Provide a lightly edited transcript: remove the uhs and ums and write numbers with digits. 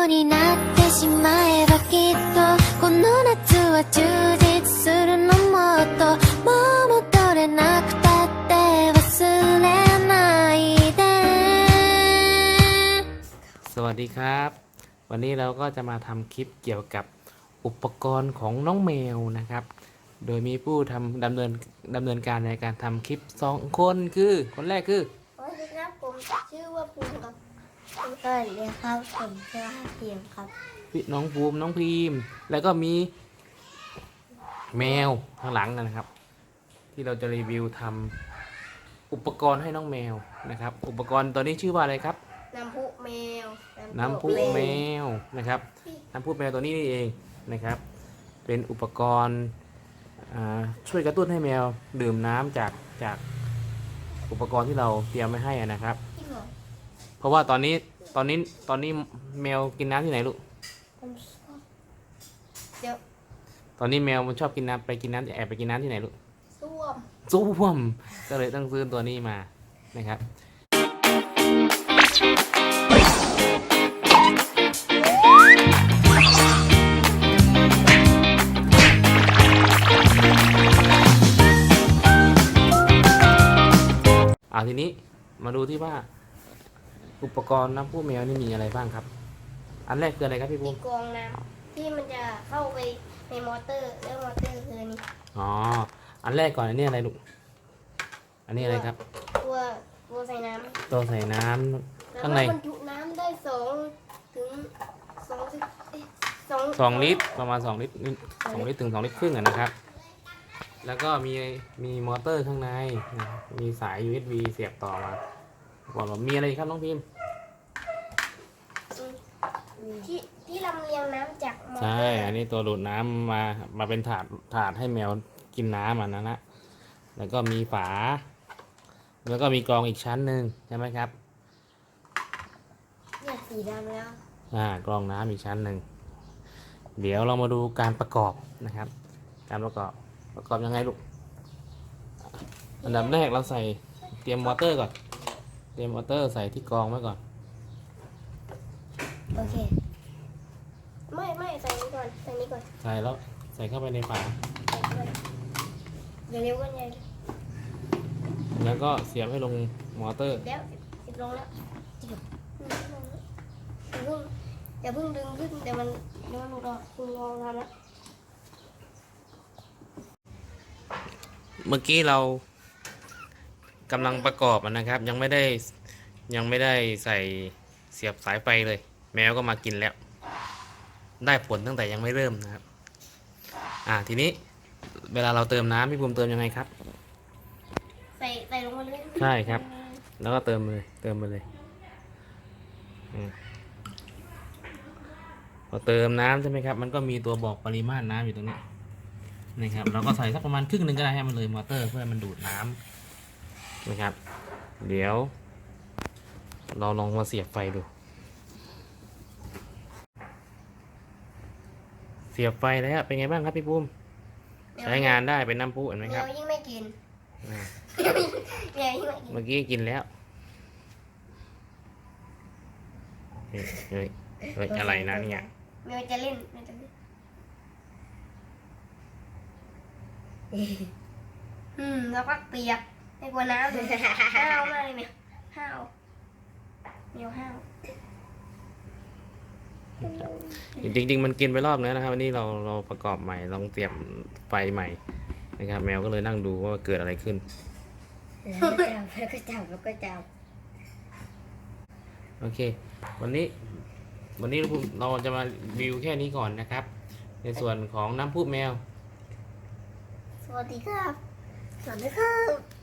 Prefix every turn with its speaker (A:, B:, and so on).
A: になってしまえばきっとこの夏は充実するのもっともう戻れなくたって忘れないで
B: สวัสดีครับ วันนี้เราก็จะมาทำคลิปเกี่ยวกับอุปกรณ์ของน้องแมวนะครับ โดยมีผู้ดำเนินการในการทำคลิป2 คนคือคนแรกคือ
C: สวัสดีครับผมชื่อว่าภูมิครับสวัสดีครับผมชื่อว่าเพียงครับ
B: น้องภูมิน้องพีมแล้วก็มีแมวข้างหลังนะครับ ที่เราจะรีวิวทำอุปกรณ์ให้น้องแมวนะครับ อุปกรณ์ตัวนี้ชื่อว่าอะไรครับ
C: น้ำพุแมว
B: น้ำพุแมวนะครับน้ำพุแมวตัวนี้นี่เองนะครับ เป็นอุปกรณ์ช่วยกระตุ้นให้แมวดื่มน้ำจากอุปกรณ์ที่เราเตรียมไว้ให้นะครับ
C: จริงเหรอ
B: เพราะว่าตอนนี้แมวกินน้ำที่ไหนลูก
C: ผมชอบเดี๋ยว
B: ตอนนี้แมวมันชอบกินน้ำแอบไปกินน้ำที่ไหนลูก
C: ส้วม
B: ส้วมก็เลยต้องซื้อตัวนี้มานะครับทีนี้มาดูที่ว่าอุปกรณ์น้ำพุแมวนี่มีอะไรบ้างครับ อันแรกคืออะไรครับพี่ภู
C: ที่
B: มิ
C: กรองน้ำที่มันจะเข้าไปในมอเตอร์แล้วมอเตอร์คืออันนี้
B: อ๋ออันแรกก่อนอันนี้อะไรลูกอันนี้อะไรครับ
C: ตัวใส่น้ำ
B: ตัวใส่น้ำ
C: แล้ว
B: ข้างใน
C: บรรจุน้ำได้ถึง
B: 2 ลิตรประมาณ2 ลิตร2 ลิตรถึง2 ลิตรครึ่งนะครับ แล้วก็มีมอเตอร์ข้างในนะครับมีสาย USB เสียบต่อมาบอกว่ามีอะไรอีกครับน้องพิมพ์
C: ที่ลำเลียงน้ำจากมอเตอร์
B: ใช่อันนี้ตัวดูดน้ำมาเป็นถาดให้แมวกินน้ำอันนั้นนะแล้วก็มีฝา แล้วก็มีกรองอีกชั้นหนึ่งใช่ไหมครับ
C: เนี่ยสีดำแล้ว
B: กรองน้ำอีกชั้นหนึ่งเดี๋ยวเรามาดูการประกอบนะครับ การประกอบยังไงลูกอันดับแรกเราเตรียมมอเตอร์ก่อนเตรียมมอเตอร์ใส่ที่กรองไว้ก่อน
C: โอเคไม่ใส่นี้ก่อนใส่นี้ก่อน
B: ใส่แล้วใส่เข้าไปในฝา
C: ใส่ด้วยเดี๋ยวเร็วกันใหญ่
B: แล้วก็เสียบให้ลงมอเตอร์
C: แล้วติดลงแล้วจริงอย่าเพิ่งดึงขึ้นเดี๋ยวมันหลุดออกคุณลองทำแล้ว
B: เมื่อกี้เรากำลังประกอบนะครับ ยังไม่ได้ใส่เสียบสายไฟเลย แมวก็มากินแล้ว ได้ผลตั้งแต่ยังไม่เริ่มนะครับทีนี้เวลาเราเติมน้ำพี่ภูมิเติมยังไงครับ
C: ใส่ลงมาเลย
B: ใช่ครับ แล้วก็เติมไปเลยพอเติมน้ำใช่ไหมครับมันก็มีตัวบอกปริมาตรน้ำอยู่ตรงนี้นะครับเราก็ใส่สักประมาณครึ่งหนึ่งก็ได้ให้มันเลยมอเตอร์เพื่อให้มันดูดน้ำนะครับเดี๋ยวเราลองมาเสียบไฟดูเสียบไฟแล้วเป็นไงบ้างครับพี่ภูมิใช้งานได้เป็นน้ำพุเห็นไหมครับ
C: เดี๋ยวยิ่งไม่กิน เดี๋ยวยิ่งไม่กิน
B: เมื่อกี้กินแล้วเฮ้ยอะไรนะเนี่ย
C: เมวจะเล่นแล้วก็เปียกไม่กลัวน้ำเลยห้าวมากเลยเนี่ยห้าวเมวห้าว
B: จริงๆมันกินไปรอบนึงนะครับวันนี้เราประกอบใหม่ลองเตรียมไฟใหม่นะครับแมวก็เลยนั่งดูว่าเกิดอะไรขึ้น
C: แล้วก็จับ
B: โอเควันนี้เราจะมารีวิวแค่นี้ก่อนนะครับ ในส่วนของน้ำพุแมว
C: สวัสดีครับสวัสดีครับ